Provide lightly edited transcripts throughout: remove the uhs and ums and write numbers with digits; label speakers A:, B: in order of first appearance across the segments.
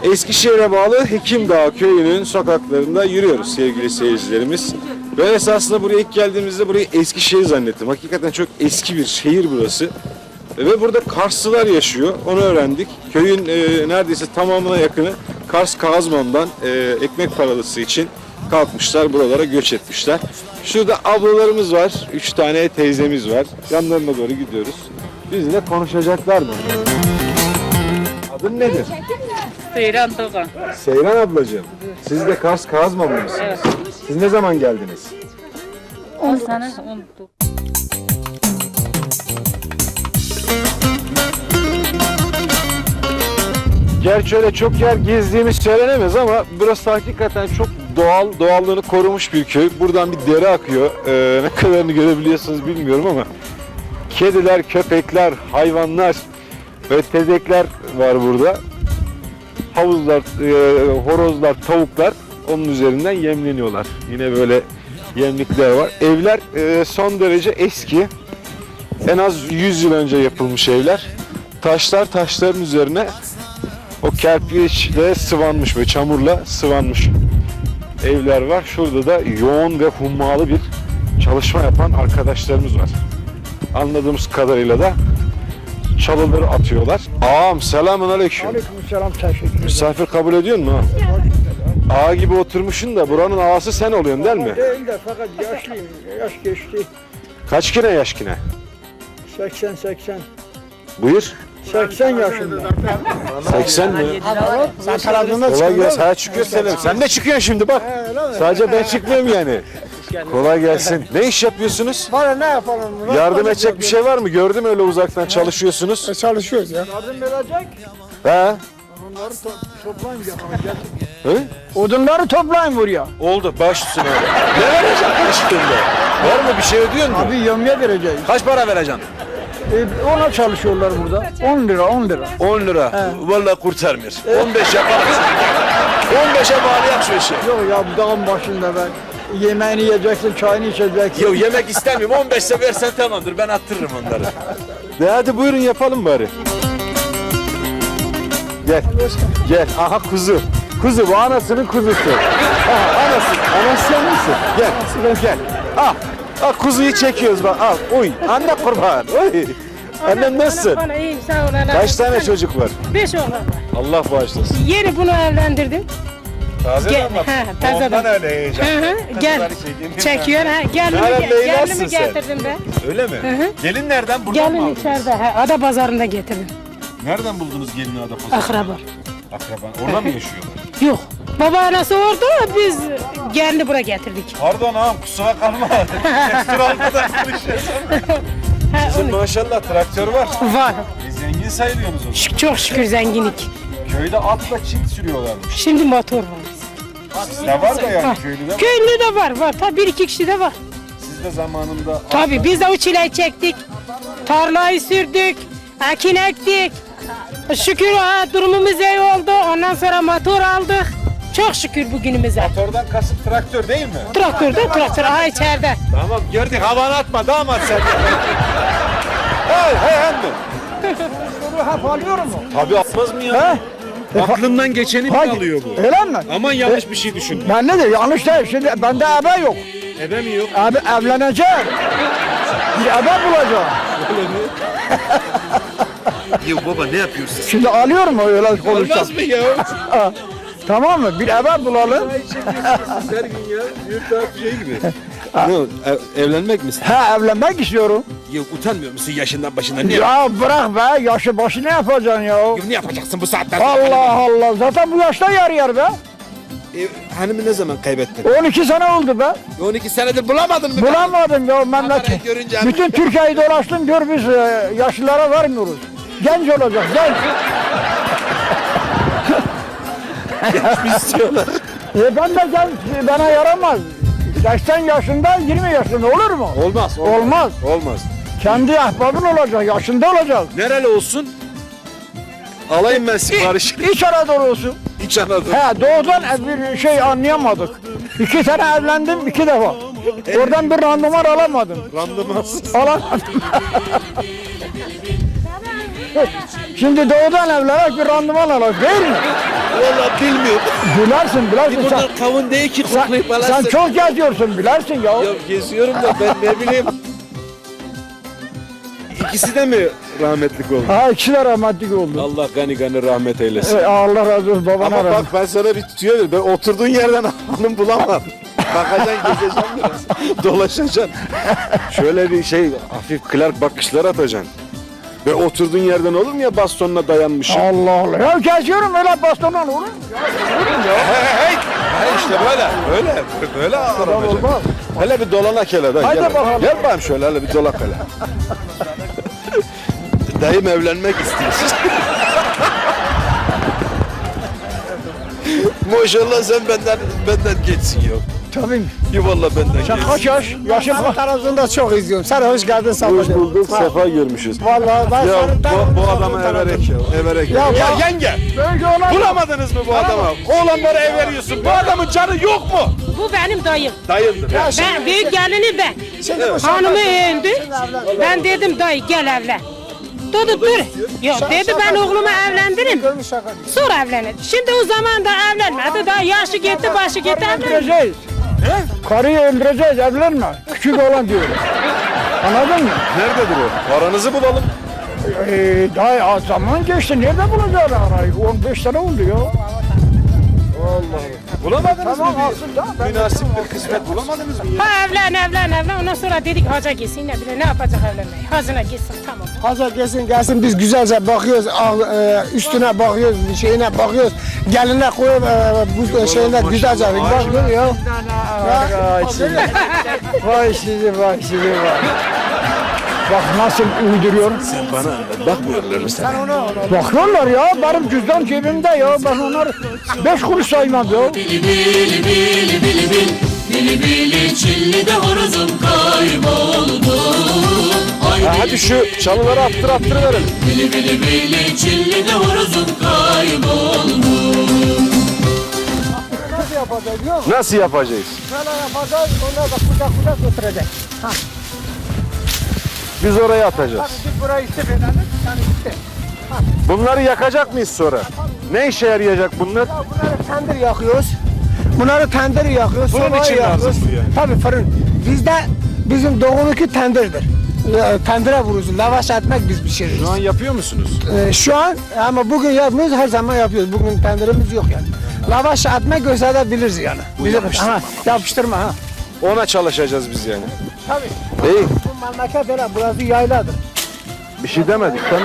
A: Eskişehir'e bağlı Hekimdağ köyünün sokaklarında yürüyoruz sevgili seyircilerimiz. Ben esasında buraya ilk geldiğimizde burayı Eskişehir zannettim. Hakikaten çok eski bir şehir burası. Ve burada Karslılar yaşıyor. Onu öğrendik. Köyün neredeyse tamamına yakını Kars Kazman'dan ekmek paralısı için kalkmışlar. Buralara göç etmişler. Şurada ablalarımız var. 3 tane teyzemiz var. Yanlarına doğru gidiyoruz. Bizle konuşacaklar mı? Adın nedir?
B: Seyran Doğan.
A: Seyran ablacığım. Siz de Kars Kazmanlı mısınız?
B: Evet.
A: Siz ne zaman geldiniz?
B: 10 sene oldu.
A: Gerçi öyle çok yer gezdiğimiz söylenemez ama burası hakikaten çok doğallığını korumuş bir köy. Buradan bir dere akıyor. Ne kadarını görebiliyorsunuz bilmiyorum ama kediler, köpekler, hayvanlar ve tezekler var burada. Havuzlar, horozlar, tavuklar onun üzerinden yemleniyorlar. Yine böyle yemlikler var. Evler son derece eski. En az 100 yıl önce yapılmış evler. Taşların üzerine o kerpiçle sıvanmış ve çamurla sıvanmış evler var. Şurada da yoğun ve hummalı bir çalışma yapan arkadaşlarımız var. Anladığımız kadarıyla da çalıları atıyorlar. Ağam selamünaleyküm.
C: Aleykümselam, teşekkür ederim.
A: Misafir kabul ediyor musun ha? Ağa gibi oturmuşsun da buranın ağası sen oluyorsun değil mi?
C: Değil de fakat yaşlıyım, yaş geçti.
A: Kaç kine yaş kine?
C: 80.
A: Buyur.
C: 80 yaşında.
A: 80 mi?
C: Sen televizyonda
A: Kolay gelsin.
C: çıkıyorsun.
A: Ha çıkıyor Selim. Sen de çıkıyorsun şimdi bak. Sadece ben çıkmıyorum yani. Kolay gelsin. Ne iş yapıyorsunuz?
C: Bana ne yapalım?
A: Yardım edecek bir şey var mı? Gördüm öyle uzaktan çalışıyorsunuz.
C: Çalışıyoruz ya. Yardım edecek.
A: He?
C: Onları toplayın.
A: He?
C: Odunları toplayın buraya.
A: Oldu. Baş üstüne. Ne vereceğim karşılığında? Var mı bir şey ödüyor musun?
C: Abi yömye vereceğiz.
A: Kaç para vereceksin?
C: Ona çalışıyorlar burada. 10 lira.
A: 10 lira. Vallahi kurtarmıyor. 15 yapalım. 15'e bağlayak şu işi.
C: Yok ya, bu dağın başında ben. Yemeğini yiyeceksin, çayını içeceksin.
A: Yok yemek istemiyorum. 15'e versen tamamdır. Ben attırırım onları. De hadi buyurun yapalım bari. Gel. Aha kuzu. Kuzu bu anasının kuzusu. Aha anası. Anası sen misin? Gel. Al kuzuyu çekiyoruz bak. Al. Uy. Anne kurban. Uy. Annem nasılsın?
B: Bana iyiyim, sağ ol.
A: Kaç tane çocuk var?
B: 5 oğlan var.
A: Allah bağışlasın.
B: Yeni bunu evlendirdim.
A: Taze
B: Gel,
A: damat.
B: he, taze
A: Ondan
B: damat.
A: öyle heyecan.
B: Gel. Çekiyor ha. Gelini
A: nasılsın sen?
B: getirdim ben.
A: Öyle mi?
B: hı.
A: Gelin nereden? Buradan mı
B: Gelin
A: aldınız?
B: içeride. Ada pazarında getirdim.
A: Nereden buldunuz gelini Adapazarı'nda?
B: Akraba.
A: Akraban. Orada mı yaşıyorlar?
B: Yok. Baba anası orada, biz gelini buraya getirdik.
A: Pardon ağam kusura kalma. Traktör almadan konuşuyorsun.
B: Ha,
A: Sizin
B: onu-
A: maşallah traktör var.
B: Var.
A: Zengin sayılıyorsunuz o zaman.
B: Çok şükür zenginlik.
A: Köyde atla çift sürüyorlarmış.
B: Şimdi motor var.
A: Sizde var da yani köylü de var.
B: Köylü de var. Tabii bir iki kişi de var.
A: Siz de zamanında
B: Tabii biz de o çileyi çektik. Tarlayı sürdük. Ekin ektik. Şükür durumumuz iyi oldu. Ondan sonra motor aldık. Çok şükür bugünümüze.
A: motordan kasıp traktör değil mi?
B: Traktör. Aha içeride.
A: Tamam gördük havanı atma damat sen. Hey emmi.
C: Soru hep alıyor mu?
A: Tabii atmaz mı ya? Aklından geçeni mi alıyor bu?
C: Öyle mi?
A: Aman yanlış bir şey düşün.
C: Ben ne diyor? Yanlış değil. Şimdi bende ebe yok.
A: Ebe mi yok?
C: Abi evleneceğim. Bir ebe bulacağım.
A: Ya baba ne yapıyorsun?
C: Şimdi alıyor mu öyle konuşsam?
A: Olmaz mı ya?
C: Tamam mı? Bir ebe bulalım.
A: Her gün ya. Büyük bir şey gibi. Evlenmek misin?
C: Ha, evlenmek istiyorum.
A: Ya utanmıyor musun yaşından başından? Ne,
C: Ya bırak be, yaşı başı ne yapacaksın ya?
A: ne yapacaksın bu saatten?
C: Allah Allah, zaten bu yaşta yer be.
A: Hanımı ne zaman kaybettin?
C: 12 sene oldu be.
A: 12 senedir bulamadın mı?
C: Bulamadım ya memleket.
A: Kamerayı görünce
C: Bütün Türkiye'yi dolaştım, gör biz yaşlılara vermiyoruz. Genç olacak, genç.
A: istiyorlar.
C: Ben de genç, bana yaramaz. 80 yaşında, 20 yaşında olur mu?
A: Olmaz.
C: Olmaz.
A: Olmaz.
C: Kendi ahbabın olacak, yaşında olacak.
A: Nereli olsun? Alayım ben sipariş.
C: İç Anadolu olsun.
A: İç Anadolu.
C: He, doğudan bir şey anlayamadık. 2 sene evlendim, 2 defa. Oradan bir randıman alamadım.
A: Randımansız.
C: Alamadım. Şimdi doğudan evlenerek bir randıman alacak değil mi?
D: Vallahi bilmiyorum.
C: Bilersin sen.
D: Bunlar kavun değil ki koklayıp
C: Sen
D: alasın.
C: çok geziyorsun bilersin ya.
D: Ya geziyorum da ben ne bileyim. İkisi de mi rahmetlik oldu?
C: Ha ikisi de rahmetlik oldu.
D: Allah gani gani rahmet eylesin.
C: Allah razı olsun babana
D: Ama
C: razı
D: bak ben sana bir tüyo veriyorum. Ben oturduğun yerden hanım bulamam. Bakacaksın, gezeceksin biraz. Dolaşacaksın. Şöyle bir şey, hafif Clark bakışlar atacaksın. Ve oturduğun yerden olur mu ya bastonuna dayanmışım?
C: Allah Allah. Ya geziyorum öyle bastonla olur mu?
D: Hey işte böyle arabacaksın.
C: Olmaz.
D: Hele bir dolanak hele dayı.
C: Hadi
D: gel.
C: bakalım.
D: Gel bakayım şöyle hele bir dolak hele. Dayım evlenmek istiyor. Maşallah sen benden geçsin ya.
C: Tabii.
D: Yuvallah benden
C: Sen
D: geçsin.
C: kaç yaş? Yaşın kaç?
E: Televizyonda çok izliyorum. Sen hoş geldin
D: Hoş
E: Samet'im.
D: bulduk, sefa görmüşüz.
E: Vallahi ben
D: Ya
E: senin
D: bu adama everek ya, everek ya. Ya yenge,
C: Böyle olan
D: bulamadınız mı bu adamı? Oğlanlara ev veriyorsun, bu adamın canı yok mu?
B: Bu benim dayım.
D: Dayındır ya.
B: Ben büyük gelini ben.
E: Şimdi bu
B: Hanımı öldü. Ben dedim dayı gel evlen. Dedi dur. Yok dedi ben oğlumu evlendirim.
E: görmüş şaka değil.
B: Sonra evlenir. Şimdi o zaman da evlenmedi. Daha yaşı gitti başı gitti evlenmedi.
C: öldüreceğiz. Karıyı öldüreceğiz evlenme. Küçük olan diyor. Anladın mı?
D: Nerededir o? Paranızı bulalım.
C: Daha zaman geçti. Nerede bulacağız arayı? 15 sene oldu ya.
D: Bulamadınız
C: Tamam
D: mı?
C: alsın da.
D: Münasip bir kısmet bulamadınız mı ya?
B: Ha evlen. Ondan sonra dedik haca gitsin ne bileyim ne yapacak evlenmeyi. Hacına gitsin tamam.
E: Hazır gelsin biz güzelce bakıyoruz. Üstüne bakıyoruz, şeyine bakıyoruz. Geline koyup bu şeyine güzelce bakıyoruz ya.
C: Vay sizi vay. Bak nasıl uyduruyor.
D: Bana bakmıyorlar mı sen?
C: Bakıyorlar ya benim cüzdan cebimde ya. Ben onları 5 kuruş saymam ya.
F: Bili bili bili bili bil Bili bili çilli de horozum kayboldu Ay
D: Ha, hadi şu çalıları attır verelim.
F: bili bili bili çilli de horozum kayboldu
E: Nasıl yapacağız biliyor musun?
D: Nasıl yapacağız?
E: Şöyle yapacağız, onları da kucak götürecek.
D: Biz oraya atacağız.
E: Biz burayı istif edelim, yani işte.
D: Bunları yakacak mıyız sonra? Ne işe yarayacak bunlar?
E: Bunları tendir yakıyoruz.
D: Fırın
E: sobayı
D: için lazım
E: yakıyoruz.
D: bu yani.
E: Tabii fırın. Bizim doğununki tendirdir. Tendire vururuz. Lavaş etmek biz pişiririz.
D: Şu an yapıyor musunuz?
E: Şu an ama bugün yapmıyoruz, her zaman yapıyoruz. Bugün tendirimiz yok yani. Lavaş etmek gösterebiliriz yani. Yapıştırma ha.
D: Ona çalışacağız biz yani.
E: Tabii.
D: İyi.
E: Bu memleket öyle, burası yayladır.
D: Bir şey demedik değil mi?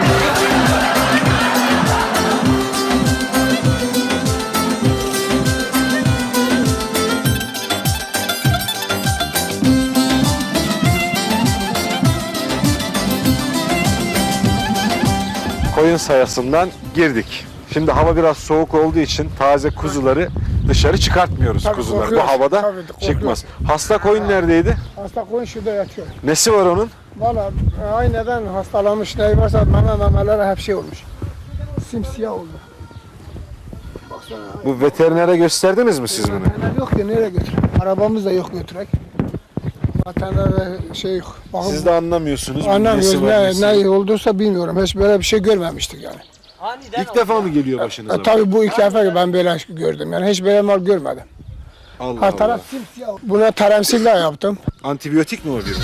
D: Koyun sayasından girdik. Şimdi hava biraz soğuk olduğu için taze kuzuları dışarı çıkartmıyoruz
E: Tabii,
D: kuzular. Bu
E: korkuyoruz.
D: havada
E: Tabii, korkuyoruz.
D: çıkmaz. Hasta koyun neredeydi?
E: Hasta koyun şurada yatıyor.
D: Nesi var onun?
E: Valla ayneden hastalanmış, ne varsa memelere hep şey olmuş. Simsiyah oldu. Baksana.
D: Bu veterinere gösterdiniz mi siz bunu?
E: Veteriner yok ki nereye götür? Arabamız da yok götürek. Veterinerde şey yok. Bakın,
D: Siz de anlamıyorsunuz.
E: anlamıyoruz
D: nesi var, nesi yok.
E: ne olduysa bilmiyorum. Hiç böyle bir şey görmemiştik yani.
D: İlk defa mı geliyor başınıza?
E: Tabii bu ilk defa ben böyle gördüm. Yani hiç böyle mal görmedim.
D: Allah
E: Her
D: Allah.
E: taraf simsiyah. Buna taremsille yaptım.
D: Antibiyotik mi o bir?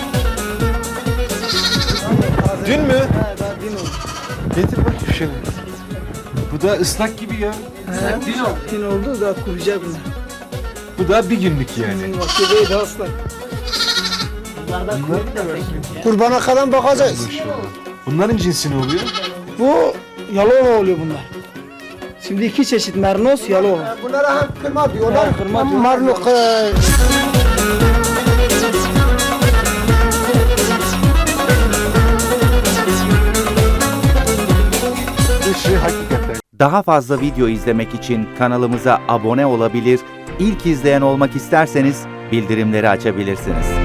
D: Dün mü? Getir bakayım şunu. Bu da ıslak gibi ya.
E: Tin oldu da kuracak mı?
D: Bu da bir günlük yani.
E: Vaktideyi de ıslak. Kurbana kadar bakacağız.
D: Bunların cinsi ne oluyor?
G: Bu Yalova oluyor bunlar. Şimdi iki çeşit mernos, Yalova.
E: Bunlara hem kırma diyorlar,
G: kırma
E: hem
G: diyorlar.
E: marluk.
D: Dışı hakikaten.
H: Daha fazla video izlemek için kanalımıza abone olabilir, ilk izleyen olmak isterseniz bildirimleri açabilirsiniz.